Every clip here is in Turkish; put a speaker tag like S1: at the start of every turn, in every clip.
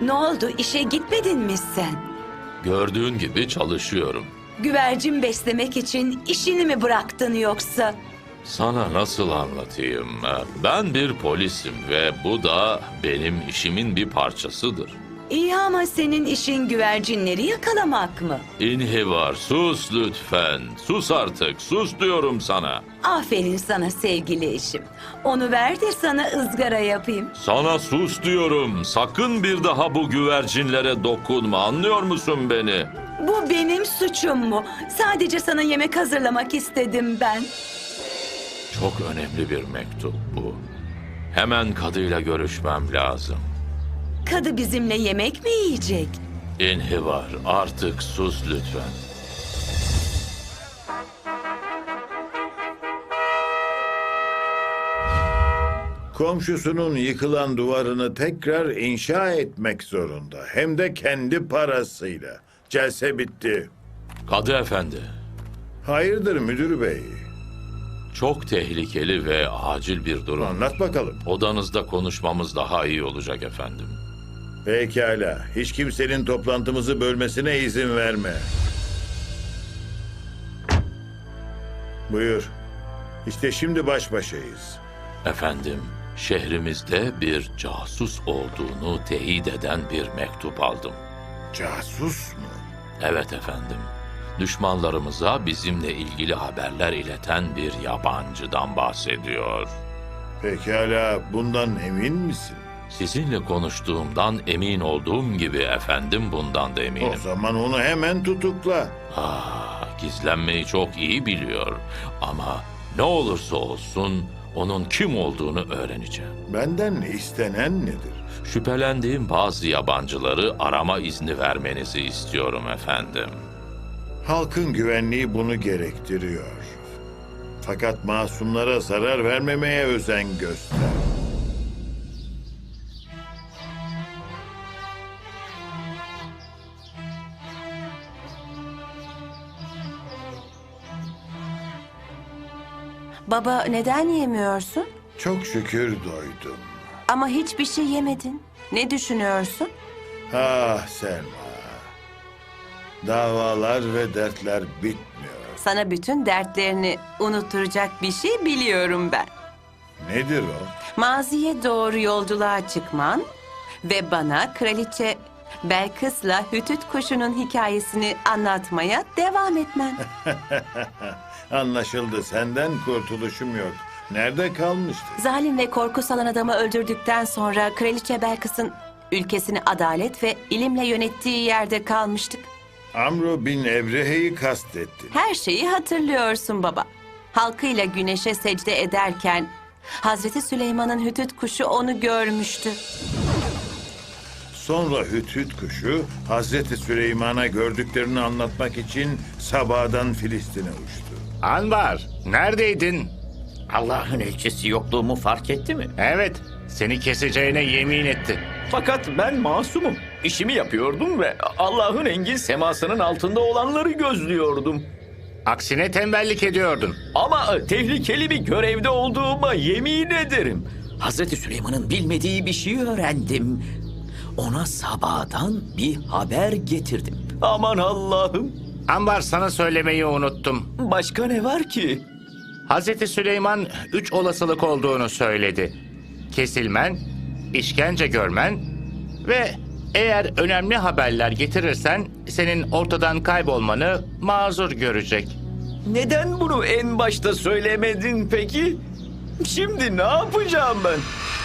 S1: Ne oldu? İşe gitmedin mi sen?
S2: Gördüğün gibi çalışıyorum.
S1: Güvercin beslemek için işini mi bıraktın yoksa?
S2: Sana nasıl anlatayım? Ben bir polisim ve bu da benim işimin bir parçasıdır.
S1: İyi ama senin işin güvercinleri yakalamak mı?
S2: İnhivar, sus lütfen. Sus artık, sus diyorum sana.
S1: Aferin sana sevgili eşim. Onu ver de sana ızgara yapayım.
S2: Sana sus diyorum. Sakın bir daha bu güvercinlere dokunma. Anlıyor musun beni?
S1: Bu benim suçum mu? Sadece sana yemek hazırlamak istedim ben.
S2: Çok önemli bir mektup bu. Hemen kadıyla görüşmem lazım.
S1: Kadı bizimle yemek mi yiyecek?
S2: İnhivar, artık sus lütfen.
S3: Komşusunun yıkılan duvarını tekrar inşa etmek zorunda. Hem de kendi parasıyla. Celse bitti.
S2: Kadı efendi,
S3: Hayırdır müdür bey?
S2: çok tehlikeli ve acil bir durum.
S3: Anlat bakalım.
S2: Odanızda konuşmamız daha iyi olacak efendim.
S3: Pekala. Hiç kimsenin toplantımızı bölmesine izin verme. Buyur. İşte şimdi baş başayız.
S2: Efendim, şehrimizde bir casus olduğunu teyit eden bir mektup aldım.
S3: Casus mu?
S2: Evet efendim. Düşmanlarımıza bizimle ilgili haberler ileten bir yabancıdan bahsediyor.
S3: Pekala. Bundan emin misin?
S2: Sizinle konuştuğumdan emin olduğum gibi efendim, bundan da eminim.
S3: O zaman onu hemen tutukla.
S2: Gizlenmeyi çok iyi biliyor. Ama ne olursa olsun onun kim olduğunu öğreneceğim.
S3: Benden istenen nedir?
S2: Şüphelendiğim bazı yabancıları arama izni vermenizi istiyorum efendim.
S3: Halkın güvenliği bunu gerektiriyor. Fakat masumlara zarar vermemeye özen göster.
S4: Baba neden yemiyorsun?
S3: Çok şükür doydum.
S4: Ama hiçbir şey yemedin. Ne düşünüyorsun?
S3: Ah Selma. Davalar ve dertler bitmiyor.
S4: Sana bütün dertlerini unutturacak bir şey biliyorum ben.
S3: Nedir o?
S4: Maziye doğru yolculuğa çıkman ve bana Kraliçe Belkıs'la Hütüt kuşunun hikayesini anlatmaya devam etmen.
S3: Anlaşıldı. Senden kurtuluşum yok. Nerede kalmıştık?
S4: Zalim ve korku salan adamı öldürdükten sonra Kraliçe Belkıs'ın ülkesini adalet ve ilimle yönettiği yerde kalmıştık.
S3: Amro bin Ebrehe'yi kastettin.
S4: Her şeyi hatırlıyorsun baba. Halkıyla güneşe secde ederken Hazreti Süleyman'ın hütüt kuşu onu görmüştü.
S3: Sonra Hüthüt kuşu Hazreti Süleyman'a gördüklerini anlatmak için Sabah'dan Filistin'e uçtu.
S5: Anvar, neredeydin?
S6: Allah'ın elçisi yokluğumu fark etti mi?
S5: Evet, seni keseceğine yemin etti.
S6: Fakat ben masumum. İşimi yapıyordum ve Allah'ın engin semasının altında olanları gözlüyordum.
S5: Aksine tembellik ediyordun.
S6: Ama tehlikeli bir görevde olduğuma yemin ederim. Hazreti Süleyman'ın bilmediği bir şey öğrendim. Ona sabahdan bir haber getirdim. Aman Allah'ım.
S5: Anvar, sana söylemeyi unuttum.
S6: Başka ne var ki?
S5: Hazreti Süleyman 3 olasılık olduğunu söyledi. Kesilmen, işkence görmen ve eğer önemli haberler getirirsen senin ortadan kaybolmanı mazur görecek.
S6: Neden bunu en başta söylemedin peki? Şimdi ne yapacağım ben?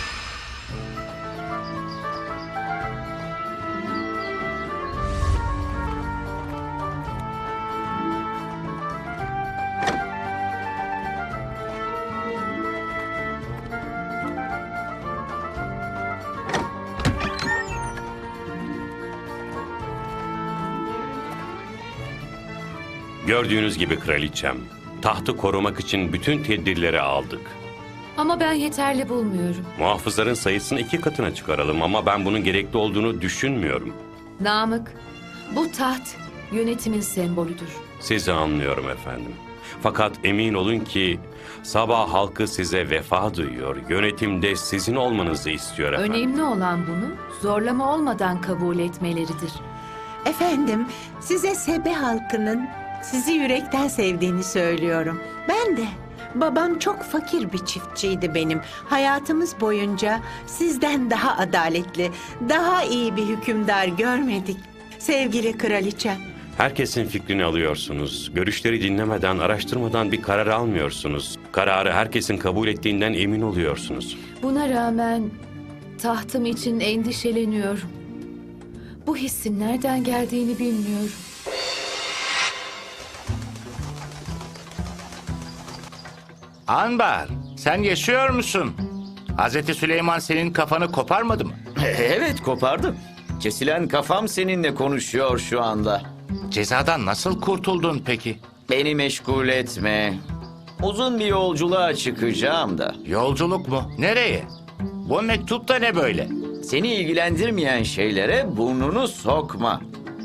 S7: Gördüğünüz gibi kraliçem, tahtı korumak için bütün tedbirleri aldık.
S8: Ama ben yeterli bulmuyorum.
S7: Muhafızların sayısını 2 katına çıkaralım ama ben bunun gerekli olduğunu düşünmüyorum.
S8: Namık, bu taht yönetimin sembolüdür.
S7: Sizi anlıyorum efendim. Fakat emin olun ki sabah halkı size vefa duyuyor. Yönetimde sizin olmanızı istiyor efendim.
S8: Önemli olan bunu zorlama olmadan kabul etmeleridir.
S9: Efendim, size Sebe halkının sizi yürekten sevdiğini söylüyorum. Ben de. Babam çok fakir bir çiftçiydi benim. Hayatımız boyunca sizden daha adaletli, daha iyi bir hükümdar görmedik. Sevgili kraliçem.
S7: Herkesin fikrini alıyorsunuz. Görüşleri dinlemeden, araştırmadan bir karar almıyorsunuz. Kararı herkesin kabul ettiğinden emin oluyorsunuz.
S8: Buna rağmen tahtım için endişeleniyorum. Bu hissin nereden geldiğini bilmiyorum.
S5: Anbar, sen yaşıyor musun? Hazreti Süleyman senin kafanı koparmadı mı?
S6: Evet, kopardım. Kesilen kafam seninle konuşuyor şu anda.
S5: Cezadan nasıl kurtuldun peki?
S6: Beni meşgul etme. Uzun bir yolculuğa çıkacağım da.
S5: Yolculuk mu? Nereye? Bu mektup da ne böyle?
S6: Seni ilgilendirmeyen şeylere burnunu sokma.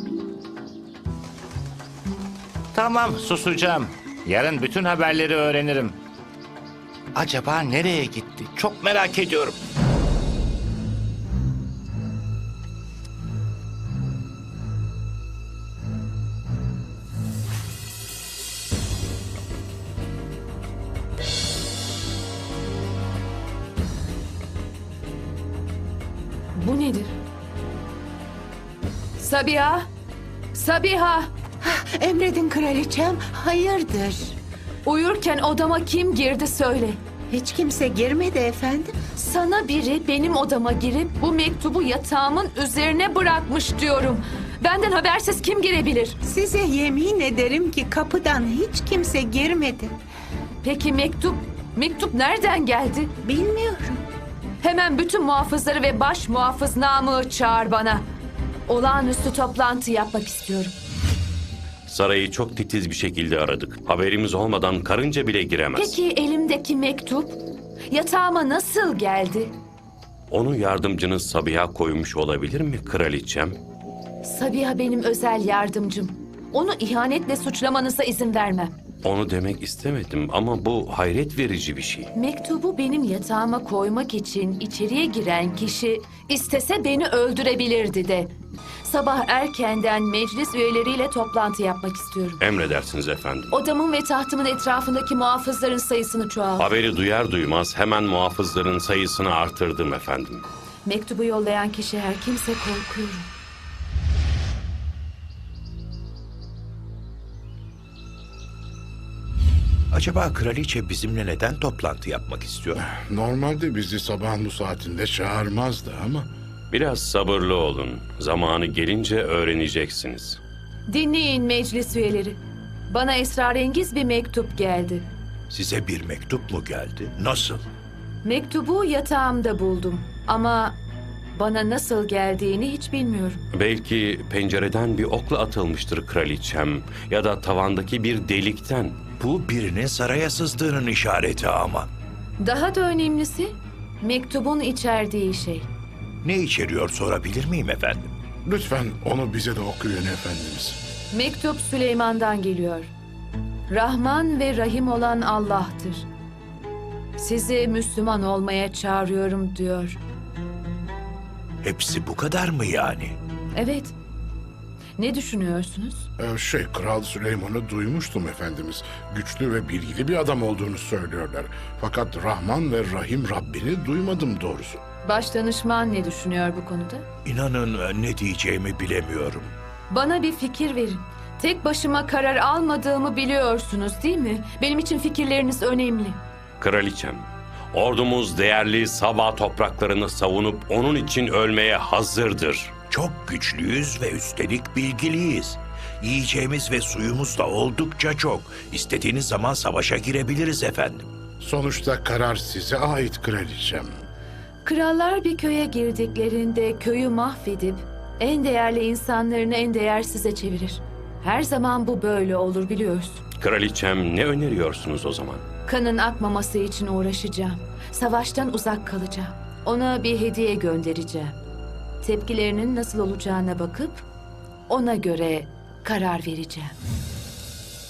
S5: Tamam, susacağım. Yarın bütün haberleri öğrenirim. Acaba nereye gitti? Çok merak ediyorum.
S8: Bu nedir? Sabiha! Sabiha!
S9: Emredin kraliçem, hayırdır?
S8: Uyurken odama kim girdi söyle.
S9: Hiç kimse girmedi efendim.
S8: Sana biri benim odama girip bu mektubu yatağımın üzerine bırakmış diyorum. Benden habersiz kim girebilir?
S9: Size yemin ederim ki kapıdan hiç kimse girmedi.
S8: Peki mektup nereden geldi?
S9: Bilmiyorum.
S8: Hemen bütün muhafızları ve baş muhafız Namık'ı çağır bana. Olağanüstü toplantı yapmak istiyorum.
S7: Sarayı çok titiz bir şekilde aradık. Haberimiz olmadan karınca bile giremez.
S8: Peki elimdeki mektup yatağıma nasıl geldi?
S7: Onu yardımcınız Sabiha koymuş olabilir mi kraliçem?
S8: Sabiha benim özel yardımcım. Onu ihanetle suçlamanıza izin vermem.
S7: Onu demek istemedim ama bu hayret verici bir şey.
S8: Mektubu benim yatağıma koymak için içeriye giren kişi istese beni öldürebilirdi de. Sabah erkenden meclis üyeleriyle toplantı yapmak istiyorum.
S7: Emredersiniz efendim.
S8: Odamın ve tahtımın etrafındaki muhafızların sayısını çoğalt.
S7: Haberi duyar duymaz hemen muhafızların sayısını artırdım efendim.
S8: Mektubu yollayan kişi her kimse korkuyorum.
S10: Acaba kraliçe bizimle neden toplantı yapmak istiyor?
S11: Normalde bizi sabahın bu saatinde çağırmazdı ama...
S7: Biraz sabırlı olun. Zamanı gelince öğreneceksiniz.
S8: Dinleyin meclis üyeleri. Bana esrarengiz bir mektup geldi.
S10: Size bir mektup mu geldi? Nasıl?
S8: Mektubu yatağımda buldum ama bana nasıl geldiğini hiç bilmiyorum.
S7: Belki pencereden bir okla atılmıştır kraliçem ya da tavandaki bir delikten.
S10: Bu birinin saraya sızdığının işareti ama.
S8: Daha da önemlisi mektubun içerdiği şey.
S10: Ne içeriyor sorabilir miyim efendim?
S11: Lütfen onu bize de okuyun efendimiz.
S8: Mektup Süleyman'dan geliyor. Rahman ve Rahim olan Allah'tır. Sizi Müslüman olmaya çağırıyorum diyor.
S10: Hepsi bu kadar mı yani?
S8: Evet. Ne düşünüyorsunuz?
S11: Kral Süleyman'ı duymuştum efendimiz. Güçlü ve bilgili bir adam olduğunu söylüyorlar. Fakat Rahman ve Rahim Rabbini duymadım doğrusu.
S8: Başdanışman ne düşünüyor bu konuda?
S10: İnanın ne diyeceğimi bilemiyorum.
S8: Bana bir fikir verin. Tek başıma karar almadığımı biliyorsunuz değil mi? Benim için fikirleriniz önemli.
S7: Kraliçem, ordumuz değerli Saba topraklarını savunup onun için ölmeye hazırdır.
S10: Çok güçlüyüz ve üstelik bilgiliyiz. Yiyeceğimiz ve suyumuz da oldukça çok. İstediğiniz zaman savaşa girebiliriz efendim.
S11: Sonuçta karar size ait kraliçem.
S8: Krallar bir köye girdiklerinde köyü mahvedip en değerli insanlarını en değersize çevirir. Her zaman bu böyle olur biliyorsun.
S7: Kraliçem ne öneriyorsunuz o zaman?
S8: Kanın akmaması için uğraşacağım. Savaştan uzak kalacağım. Ona bir hediye göndereceğim. Tepkilerinin nasıl olacağına bakıp ona göre karar vereceğim.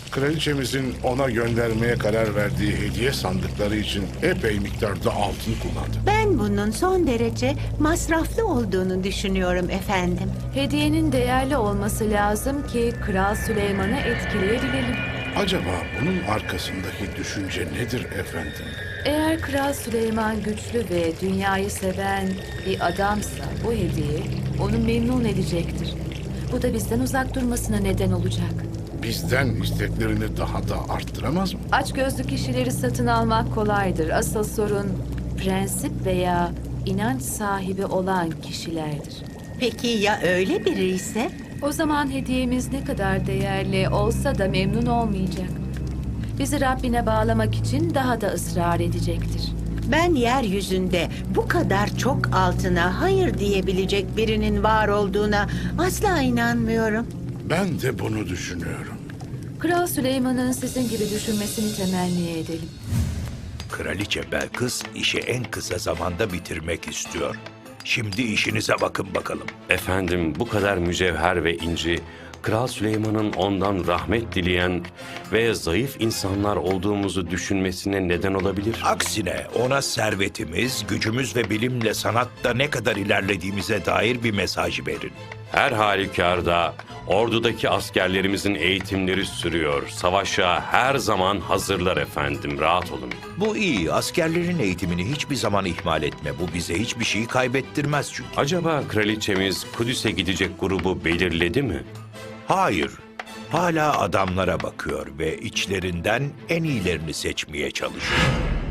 S11: Kraliçemizin ona göndermeye karar verdiği hediye sandıkları için epey miktarda altın kullandı.
S9: Ben bunun son derece masraflı olduğunu düşünüyorum efendim.
S8: Hediyenin değerli olması lazım ki Kral Süleyman'ı etkileyebilelim.
S11: Acaba bunun arkasındaki düşünce nedir efendim?
S8: Eğer Kral Süleyman güçlü ve dünyayı seven bir adamsa bu hediye onu memnun edecektir. Bu da bizden uzak durmasına neden olacak.
S11: Bizden isteklerini daha da arttıramaz mı?
S8: Açgözlü kişileri satın almak kolaydır. Asıl sorun prensip veya inanç sahibi olan kişilerdir.
S9: Peki ya öyle biri ise?
S8: O zaman hediyemiz ne kadar değerli olsa da memnun olmayacak. Bizi Rabbine bağlamak için daha da ısrar edecektir.
S9: Ben yeryüzünde bu kadar çok altına hayır diyebilecek birinin var olduğuna asla inanmıyorum.
S11: Ben de bunu düşünüyorum.
S8: Kral Süleyman'ın sizin gibi düşünmesini temenni edelim.
S10: Kraliçe Belkıs işi en kısa zamanda bitirmek istiyor. Şimdi işinize bakın bakalım.
S7: Efendim, bu kadar mücevher ve inci, Kral Süleyman'ın ondan rahmet dileyen ve zayıf insanlar olduğumuzu düşünmesine neden olabilir.
S10: Aksine ona servetimiz, gücümüz ve bilimle sanatta ne kadar ilerlediğimize dair bir mesaj verin.
S7: Her halükarda ordudaki askerlerimizin eğitimleri sürüyor. Savaşa her zaman hazırlar efendim, rahat olun.
S10: Bu iyi. Askerlerin eğitimini hiçbir zaman ihmal etme. Bu bize hiçbir şeyi kaybettirmez çünkü.
S7: Acaba kraliçemiz Kudüs'e gidecek grubu belirledi mi?
S10: Hayır. Hala adamlara bakıyor ve içlerinden en iyilerini seçmeye çalışıyor.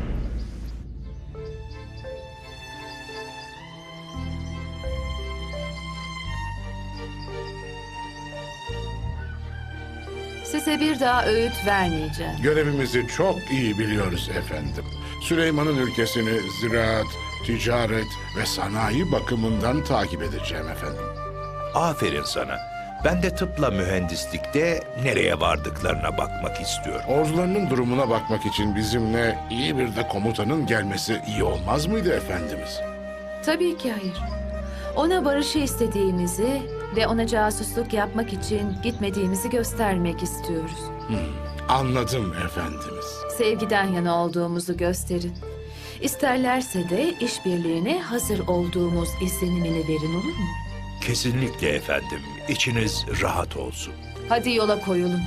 S8: Size bir daha öğüt vermeyeceğim.
S11: Görevimizi çok iyi biliyoruz efendim. Süleyman'ın ülkesini ziraat, ticaret ve sanayi bakımından takip edeceğim efendim.
S10: Aferin sana. Ben de tıpla mühendislikte nereye vardıklarına bakmak istiyorum.
S11: Ordularının durumuna bakmak için bizimle iyi bir de komutanın gelmesi iyi olmaz mıydı efendimiz?
S8: Tabii ki hayır. Ona barışı istediğimizi ve ona casusluk yapmak için gitmediğimizi göstermek istiyoruz.
S11: Anladım efendimiz.
S8: Sevgiden yana olduğumuzu gösterin. İsterlerse de işbirliğine hazır olduğumuz izlenimini verin, olur mu?
S10: Kesinlikle efendim. İçiniz rahat olsun.
S8: Hadi yola koyulun.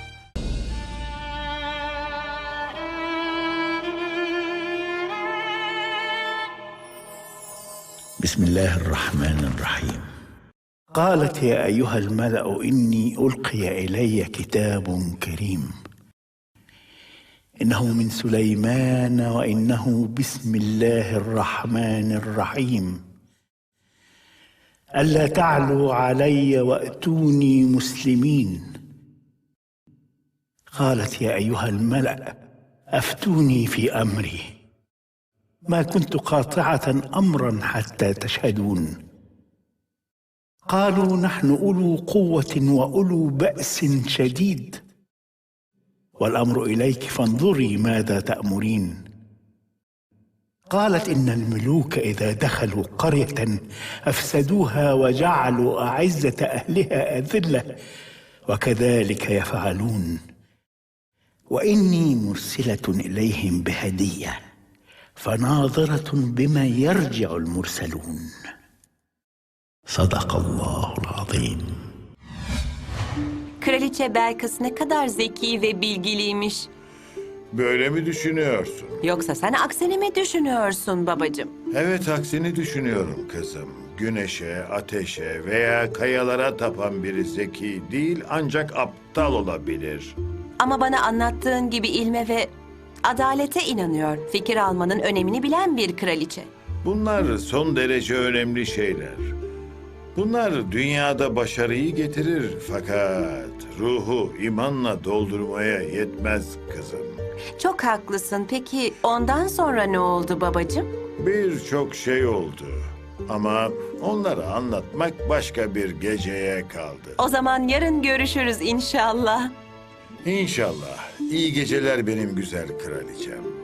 S12: بسم الله الرحمن الرحيم قالت يا أيها الملأ إني ألقي إلي كتاب كريم إنه من سليمان وإنه بسم الله الرحمن الرحيم ألا تعلوا علي وأتوني مسلمين قالت يا أيها الملأ أفتوني في أمري ما كنت قاطعة أمرا حتى تشهدون قالوا نحن أولو قوة وأولو بأس شديد والأمر إليك فانظري ماذا تأمرين قالت إن الملوك إذا دخلوا قرية أفسدوها وجعلوا أعزة أهلها أذلة وكذلك يفعلون وإني مرسلة إليهم بهدية فناظرة بما يرجع المرسلون صدق الله العظيم.
S4: Kraliçe Belkıs ne kadar zeki ve bilgiliymiş.
S3: Böyle mi düşünüyorsun?
S4: Yoksa sen aksini mi düşünüyorsun babacığım?
S3: Evet, aksini düşünüyorum kızım. Güneşe, ateşe veya kayalara tapan biri zeki değil ancak aptal olabilir.
S4: Ama bana anlattığın gibi ilme ve adalete inanıyor. Fikir almanın önemini bilen bir kraliçe.
S3: Bunlar son derece önemli şeyler. Bunlar dünyada başarıyı getirir fakat ruhu imanla doldurmaya yetmez kızım.
S4: Çok haklısın. Peki ondan sonra ne oldu babacığım?
S3: Birçok şey oldu ama onları anlatmak başka bir geceye kaldı.
S4: O zaman yarın görüşürüz inşallah.
S3: İnşallah. İyi geceler benim güzel kraliçem.